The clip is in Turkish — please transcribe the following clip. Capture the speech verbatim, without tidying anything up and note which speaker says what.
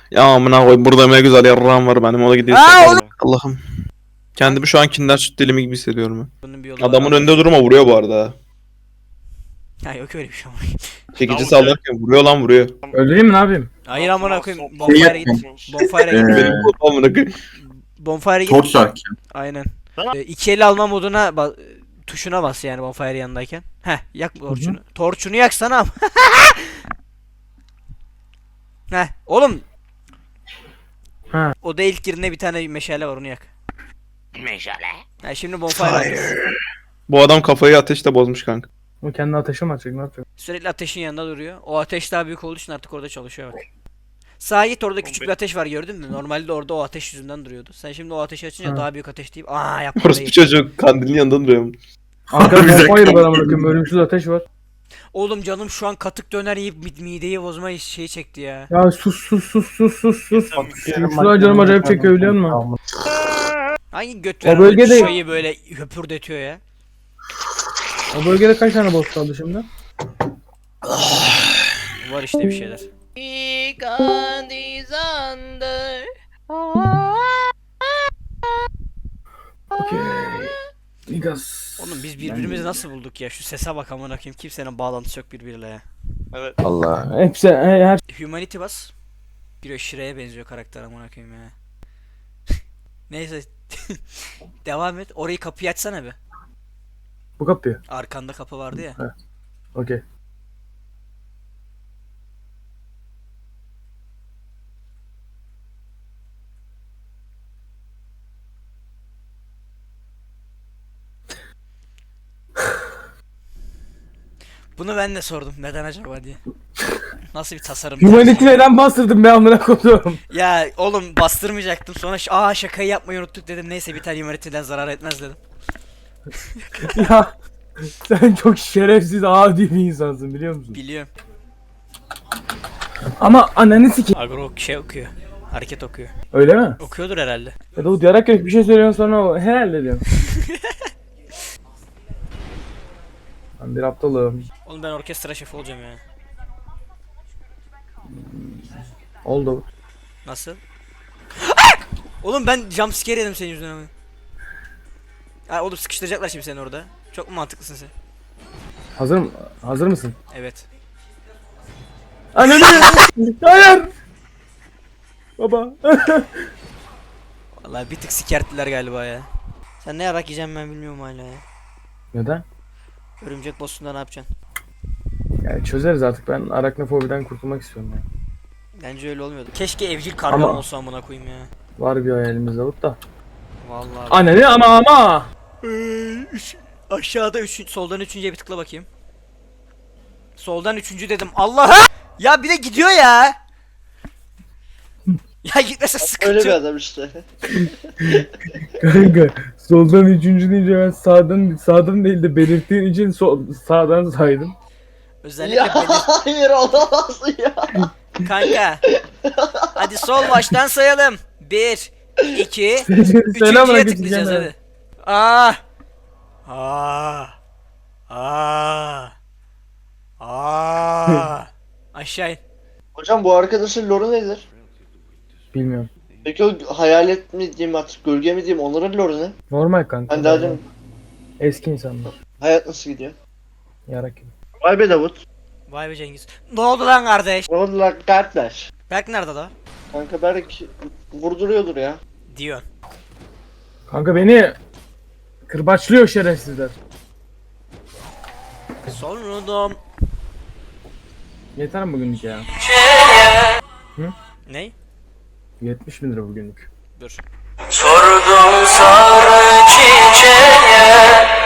Speaker 1: Ya amına koy, burada ne güzel yarrağım var benim, ona gidiyor.
Speaker 2: Aa, oğlum.
Speaker 1: Allah'ım. Kendimi şu an Kinder Süt dilimi gibi hissediyorum ben.
Speaker 2: Bunun bir yolu var
Speaker 1: Adamın
Speaker 2: abi.
Speaker 1: önünde durma, vuruyor bu arada.
Speaker 2: Ha yok öyle bir şey ama.
Speaker 1: Çekici
Speaker 3: Davul
Speaker 1: sallarken vuruyor lan, vuruyor.
Speaker 4: Öldüreyim mi ne yapayım?
Speaker 2: Hayır amına koyayım.
Speaker 3: Şey
Speaker 2: Bonfire'a git. Bonfire'a git.
Speaker 4: Ee,
Speaker 1: Benim bu amına koyayım.
Speaker 2: Bonfire'a git.
Speaker 4: Torch Shark.
Speaker 2: Aynen.
Speaker 3: Tamam.
Speaker 2: Ee, iki el alma moduna ba- tuşuna bas yani bonfire yanındayken. Heh, yak torçunu. Torçunu yaksana ama. Heh, oğlum.
Speaker 4: Ha.
Speaker 2: O da ilk girine bir tane meşale var, onu yak.
Speaker 3: Meşale.
Speaker 2: Ha, şimdi bonfire atıyoruz.
Speaker 1: Bu adam kafayı ateşle bozmuş kanka.
Speaker 4: O kendi ateşe mi atacak, ne yapacak?
Speaker 2: Sürekli ateşin yanında duruyor. O ateş daha büyük olduğu için artık orada çalışıyor bak. Sağa git, orada küçük bir ateş var, gördün mü? Normalde orada o ateş yüzünden duruyordu. Sen şimdi o ateşi açınca
Speaker 4: Ha.
Speaker 2: daha büyük ateş deyip aa yapma
Speaker 1: Orası bir
Speaker 2: orayı.
Speaker 1: çocuk kandilin yanında duruyor.
Speaker 4: Arkada bonfire var amına koyayım, ölümsüz ateş var.
Speaker 2: Oğlum canım şu an katık döner yiyip mid- mideyi bozma şeyi çekti ya.
Speaker 4: Ya sus sus sus sus sus sus.
Speaker 3: Yeter.
Speaker 4: Şu an canım acayip çekiyor biliyor musun?
Speaker 2: Hangi göt
Speaker 4: O
Speaker 2: veren
Speaker 4: bölgede-
Speaker 2: şeyi böyle höpürdetiyor ya?
Speaker 4: O bölgede kaç tane boss kaldı şimdi?
Speaker 2: Var işte bir şeyler.
Speaker 4: Okey. Niggas.
Speaker 2: Oğlum biz birbirimizi nasıl bulduk ya? Şu sese bak amına koyayım, kimsenin bağlantısı yok birbiriyle ya.
Speaker 3: Evet.
Speaker 4: Allah. Hepsi he- her
Speaker 2: Humanity bas. Bir Shrek'e benziyor karakter amına koyayım ya. Neyse. Devam et. Orayı, kapıyı açsana be.
Speaker 4: bu kapıyı.
Speaker 2: Arkanda kapı vardı ya.
Speaker 4: Okey.
Speaker 2: Bunu ben de sordum. Neden acaba diye. Nasıl bir tasarım?
Speaker 4: Humanity neden bastırdım ben amına koyduğum?
Speaker 2: Ya oğlum bastırmayacaktım. Sonra ş- aa şakayı yapmayı unuttuk dedim. Neyse bir tane Humanity'den zarar etmez dedim.
Speaker 4: Ya sen çok şerefsiz, adi bir insansın biliyor musun?
Speaker 2: Biliyorum.
Speaker 4: Ama ananı sikeyim.
Speaker 2: Agro şey okuyor. Hareket okuyor.
Speaker 4: Öyle mi?
Speaker 2: Okuyordur herhalde.
Speaker 4: Ya da uyarak bir şey söylüyorsun sonra o herhalde diyorsun. Ben bir aptalım.
Speaker 2: Oğlum ben orkestra şefi olacağım ya.
Speaker 4: Oldu.
Speaker 2: Nasıl? Oğlum ben jumpscare yedim senin yüzünden ama. Ha oğlum sıkıştıracaklar şimdi seni orada. Çok mu mantıklısın sen?
Speaker 4: Hazır mı? Hazır mısın?
Speaker 2: Evet.
Speaker 4: Ananı! Hayır! Baba.
Speaker 2: Vallahi bir tık sikerttiler galiba ya. Sen ne yarak yiyeceğim ben bilmiyorum hala ya.
Speaker 4: Neden?
Speaker 2: Örümcek boss'unda ne yapacaksın?
Speaker 4: Yani çözeriz artık, ben arachnofobiden kurtulmak istiyorum ya.
Speaker 2: Bence öyle olmuyordu. Keşke evcil kargam
Speaker 4: Ama-
Speaker 2: olsa amına koyayım ya.
Speaker 4: Var bir hayalimiz Davut da.
Speaker 2: Vallahi.
Speaker 4: Ananı ama ama!
Speaker 2: Ee, üç, aşağıda üçüncü, soldan üçüncüye bir tıkla bakayım. Soldan üçüncü dedim. Allah! Ya bir de gidiyor ya. Ya gitmese sıkıntı.
Speaker 5: Öyle bir
Speaker 2: yok.
Speaker 5: adam işte.
Speaker 4: Kanka soldan üçüncü deyince ben sağdan sağdan değil de belirttiğin için sol, sağdan saydım.
Speaker 2: Özellikle
Speaker 5: Ya
Speaker 2: belir-
Speaker 5: hayır olamaz ya.
Speaker 2: kanka. Hadi sol baştan sayalım. Bir, iki,
Speaker 4: Selam
Speaker 2: üçüncüye
Speaker 4: aleyküm
Speaker 2: tıklayacağız
Speaker 4: canım.
Speaker 2: hadi. Aa. Aa. Aa. Aa. Aşağı in.
Speaker 5: Hocam bu arkadaşın lore'u nedir?
Speaker 4: Bilmiyorum.
Speaker 5: Peki o hayalet mi diyeyim artık, gölge mi diyeyim, onların lore'u ne?
Speaker 4: Normal kanka.
Speaker 5: Ben daha dün
Speaker 4: Eski insanlar.
Speaker 5: hayat nasıl gidiyor?
Speaker 4: Yarak gibi.
Speaker 5: Vay be Davut.
Speaker 2: Vay be Cengiz. Ne oldu lan kardeş?
Speaker 5: Ne oldu lan kardeş?
Speaker 2: Berk nerede da?
Speaker 5: Kanka belki vurduruyordur ya.
Speaker 2: Diyorsun.
Speaker 4: Kanka beni kırbaçlıyor şerefsizler.
Speaker 2: Sonradan.
Speaker 4: Yeter mi bugünlük ya?
Speaker 2: Ney?
Speaker 4: yetmiş bin lira bugünlük.
Speaker 2: Dur.
Speaker 6: Sordum sarı çiçeğe